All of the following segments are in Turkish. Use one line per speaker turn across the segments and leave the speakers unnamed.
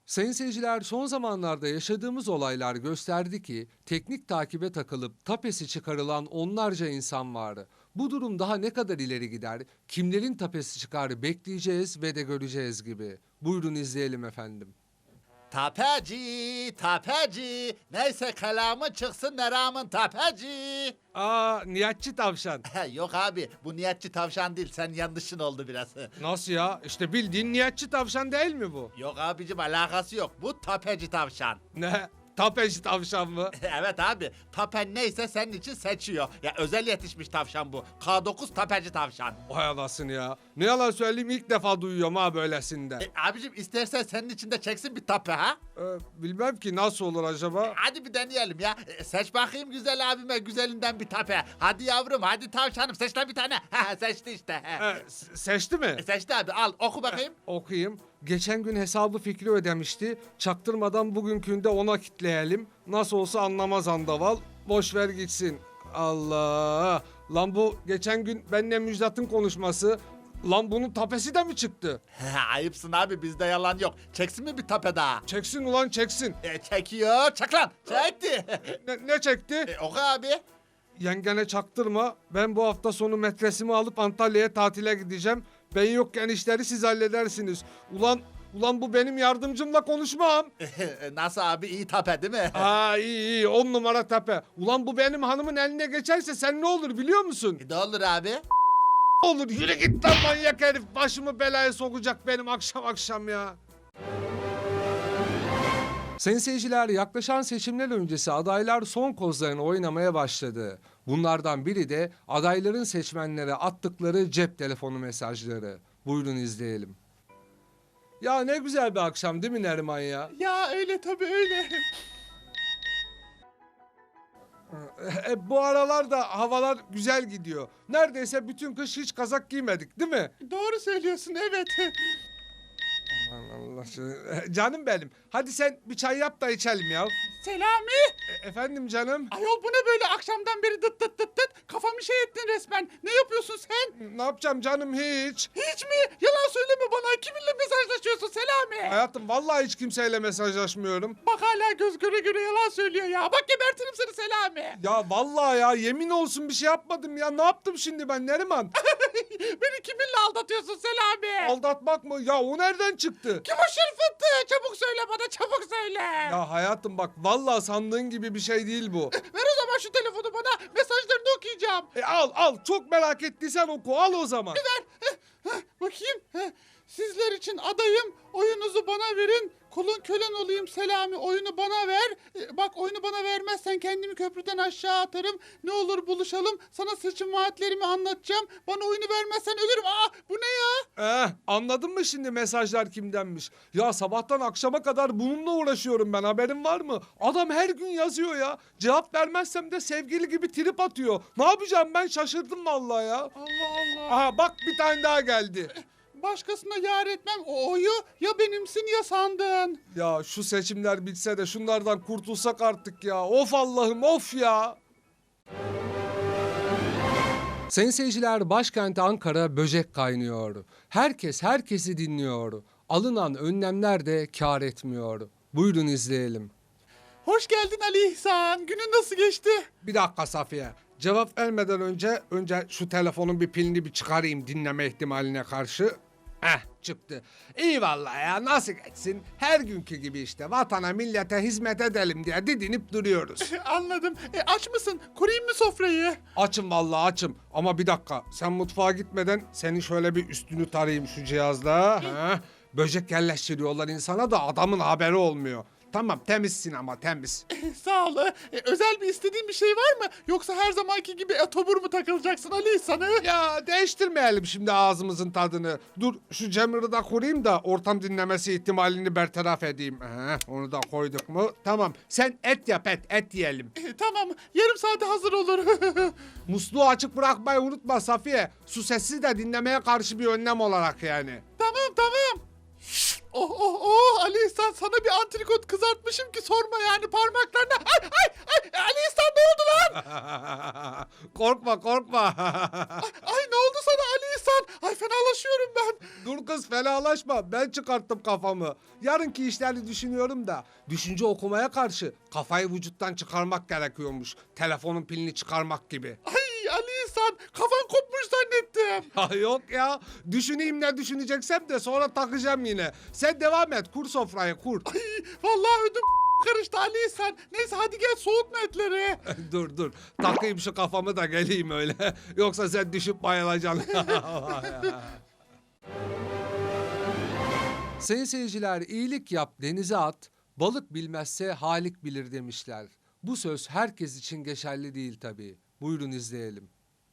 Sayın seyirciler, son zamanlarda yaşadığımız olaylar gösterdi ki teknik takibe takılıp tapesi çıkarılan onlarca insan var. Bu durum daha ne kadar ileri gider, kimlerin tapesi çıkar bekleyeceğiz ve de göreceğiz gibi. Buyurun izleyelim efendim.
Tapeci, tapeci. Neyse kelamı çıksın neramın tapeci.
Nihatçı tavşan.
Yok abi bu niyetçi tavşan değil sen yanlışın oldu biraz.
Nasıl ya? İşte bildiğin nihatçı tavşan değil mi bu?
Yok abicim alakası yok bu tapeci tavşan.
Ne? Tapeci tavşan mı?
Evet abi tapen neyse senin için seçiyor. Ya özel yetişmiş tavşan bu. K9 tapeci tavşan.
Vay anasını ya. Ne yalan söyleyeyim, ilk defa duyuyorum ha böylesinden.
Abicim istersen senin için de çeksin bir tape ha.
Bilmem ki nasıl olur acaba?
Hadi bir deneyelim ya. Seç bakayım güzel abime güzelinden bir tape. Hadi yavrum hadi tavşanım seç lan bir tane. Seçti işte.
Seçti mi?
Seçti abi al oku bakayım.
Okuyayım. Geçen gün hesabı Fikri ödemişti. Çaktırmadan bugünkünde ona kitleyelim. Nasıl olsa anlamaz andaval. Boş ver gitsin. Allah! Lan bu geçen gün benimle Müjdat'ın konuşması. Lan bunun tapesi de mi çıktı?
Ayıpsın abi bizde yalan yok. Çeksin mi bir tape daha?
Çeksin ulan çeksin.
Çekiyor. Çek lan. Çekti.
Ne çekti?
Oku abi.
Yengene çaktırma. Ben bu hafta sonu metresimi alıp Antalya'ya tatile gideceğim. Ben yokken işleri siz halledersiniz. Ulan bu benim yardımcımla konuşmam.
Nasıl abi iyi tape değil mi?
İyi 10 numara tepe. Ulan bu benim hanımın eline geçerse sen ne olur biliyor musun?
Ne olur abi?
Olur, yürü git lan manyak herif. Başımı belaya sokacak benim akşam ya. Sayın seyirciler, yaklaşan seçimler öncesi adaylar son kozlarını oynamaya başladı. Bunlardan biri de adayların seçmenlere attıkları cep telefonu mesajları. Buyurun izleyelim. Ya ne güzel bir akşam değil mi Neriman ya?
Ya öyle tabii öyle.
Bu aralarda havalar güzel gidiyor. Neredeyse bütün kış hiç kazak giymedik değil mi?
Doğru söylüyorsun evet.
Allah canım benim. Hadi sen bir çay yap da içelim ya.
Selami!
Efendim canım.
Ayol bu ne böyle akşamdan beri dıt dıt dıt dıt? Kafamı şey ettin resmen. Ne yapıyorsun sen?
Ne yapacağım canım hiç.
Hiç mi? Yalan söyleme bana. Kiminle mesajlaşıyorsun Selami?
Hayatım vallahi hiç kimseyle mesajlaşmıyorum.
Bak hala göz göre göre yalan söylüyor ya. Bak gebertirim seni Selami.
Ya vallahi ya yemin olsun bir şey yapmadım ya. Ne yaptım şimdi ben Neriman?
Beni kiminle aldatıyorsun Selami?
Aldatmak mı? Ya o nereden çıktı?
Kim o şırfıntı? Çabuk söyle bana çabuk söyle.
Ya hayatım bak vallahi sandığın gibi bir şey değil bu.
Ver o zaman şu telefonu bana. Mesajlarını okuyacağım.
Al çok merak ettiysen oku al o zaman.
Bakayım. Sizler için adayım. Oyunuzu bana verin. Kulun kölen olayım Selami. Oyunu bana ver. Bak oyunu bana vermezsen kendimi köprüden aşağı atarım. Ne olur buluşalım. Sana seçim vaatlerimi anlatacağım. Bana oyunu vermezsen ölürüm. Bu ne ya?
Anladın mı şimdi mesajlar kimdenmiş? Ya sabahtan akşama kadar bununla uğraşıyorum ben, haberin var mı? Adam her gün yazıyor ya. Cevap vermezsem de sevgili gibi trip atıyor. Ne yapacağım ben, şaşırdım vallahi ya.
Allah Allah.
Aha bak bir tane daha geldi.
Başkasına yar etmem. O oyu ya benimsin ya sandın.
Ya şu seçimler bitse de şunlardan kurtulsak artık ya. Of Allah'ım of ya. Sayın seyirciler, başkent Ankara böcek kaynıyor. Herkes herkesi dinliyor. Alınan önlemler de kâr etmiyor. Buyurun izleyelim.
Hoş geldin Ali İhsan. Günün nasıl geçti?
Bir dakika Safiye. Cevap vermeden önce şu telefonun bir pilini bir çıkarayım dinleme ihtimaline karşı. Çıktı. İyi vallahi ya, nasıl geçsin? Her günkü gibi işte vatana millete hizmet edelim diye didinip duruyoruz.
Anladım. Aç mısın? Kurayım mı sofrayı?
Açım vallahi açım. Ama bir dakika, sen mutfağa gitmeden senin şöyle bir üstünü tarayayım şu cihazla. Böcek yerleştiriyorlar insana da adamın haberi olmuyor. Tamam, temizsin ama temiz.
Sağ ol. Özel bir istediğin bir şey var mı? Yoksa her zamanki gibi etobur mu takılacaksın Ali İhsan'ı?
Ya değiştirmeyelim şimdi ağzımızın tadını. Dur şu Cemil'i de kurayım da ortam dinlemesi ihtimalini bertaraf edeyim. Onu da koyduk mu? Tamam, sen et yap, et yiyelim.
Tamam. Yarım saate hazır olur.
Musluğu açık bırakmayı unutma Safiye. Su sesi de dinlemeye karşı bir önlem olarak yani.
Tamam. Oh Ali İhsan sana bir antrikot kızartmışım ki sorma yani parmaklarına. Ay Ali İhsan ne oldu lan?
Korkma.
Ay ne oldu sana Ali İhsan? lan. Ay fenalaşıyorum ben.
Dur kız fenalaşma. Ben çıkarttım kafamı. Yarınki işleri düşünüyorum da. Düşünce okumaya karşı kafayı vücuttan çıkarmak gerekiyormuş. Telefonun pilini çıkarmak gibi.
Ay Ali İhsan kafan kopmuş zannettim.
Ha yok ya. Düşüneyim ne düşüneceksem de sonra takacağım yine. Sen devam et. Kur sofrayı kur.
Ay vallahi ödüm karıştı Ali İhsan. Neyse hadi gel soğutma etleri.
Dur. Takayım şu kafamı da geleyim öyle. Yoksa sen düşüp bayılacaksın. Sayın seyirciler, iyilik yap denize at, balık bilmezse halik bilir demişler. Bu söz herkes için geçerli değil tabii. Buyurun izleyelim.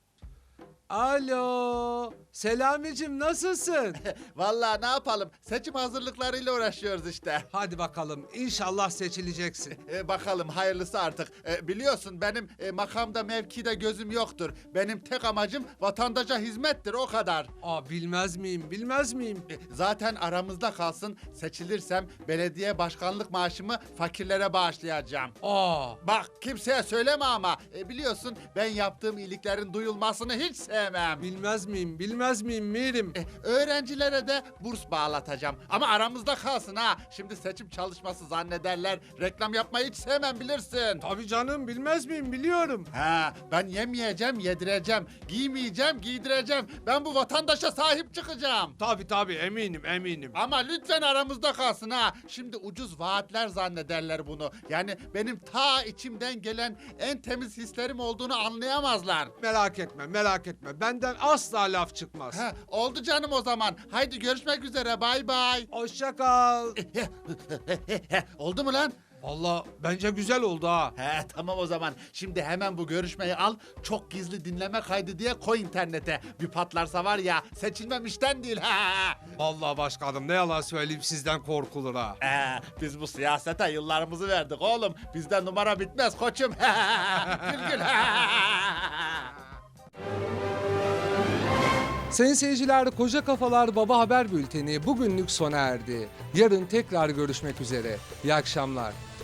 Alo, Selamicim nasılsın?
Vallahi ne yapalım? Seçim hazırlıklarıyla uğraşıyoruz işte.
Hadi bakalım, inşallah seçileceksin.
Bakalım hayırlısı artık. Biliyorsun benim makamda mevkide gözüm yoktur. Benim tek amacım vatandaşa hizmettir o kadar.
Bilmez miyim?
Zaten aramızda kalsın, seçilirsem belediye başkanlık maaşımı fakirlere bağışlayacağım. Bak kimseye söyleme ama biliyorsun ben yaptığım iyiliklerin duyulmasını hiç sevmem.
Bilmez miyim Mirim?
Öğrencilere de burs bağlatacağım. Ama aramızda kalsın ha. Şimdi seçim çalışması zannederler. Reklam yapmayı hiç sevmem bilirsin.
Tabii canım, bilmez miyim, biliyorum.
Ha, ben yemeyeceğim, yedireceğim. Giymeyeceğim, giydireceğim. Ben bu vatandaşa sahip çıkacağım.
Tabii eminim.
Ama lütfen aramızda kalsın ha. Şimdi ucuz vaatler zannederler bunu. Yani benim ta içimden gelen en temiz hislerim olduğunu anlayamazlar.
Merak etme. Benden asla laf çıkmaz.
Ha, oldu canım o zaman. Haydi görüşmek üzere. Bay bay.
Hoşça kal.
Oldu mu lan?
Vallahi bence güzel oldu ha.
He tamam o zaman. Şimdi hemen bu görüşmeyi al. Çok gizli dinleme kaydı diye koy internete. Bir patlarsa var ya seçilmem işten değil.
Vallahi başkanım, ne yalan söyleyeyim, sizden korkulur ha.
Biz bu siyasete yıllarımızı verdik oğlum. Bizde numara bitmez koçum. Gül.
Sayın seyirciler, Koca Kafalar Baba Haber Bülteni bugünlük sona erdi. Yarın tekrar görüşmek üzere. İyi akşamlar.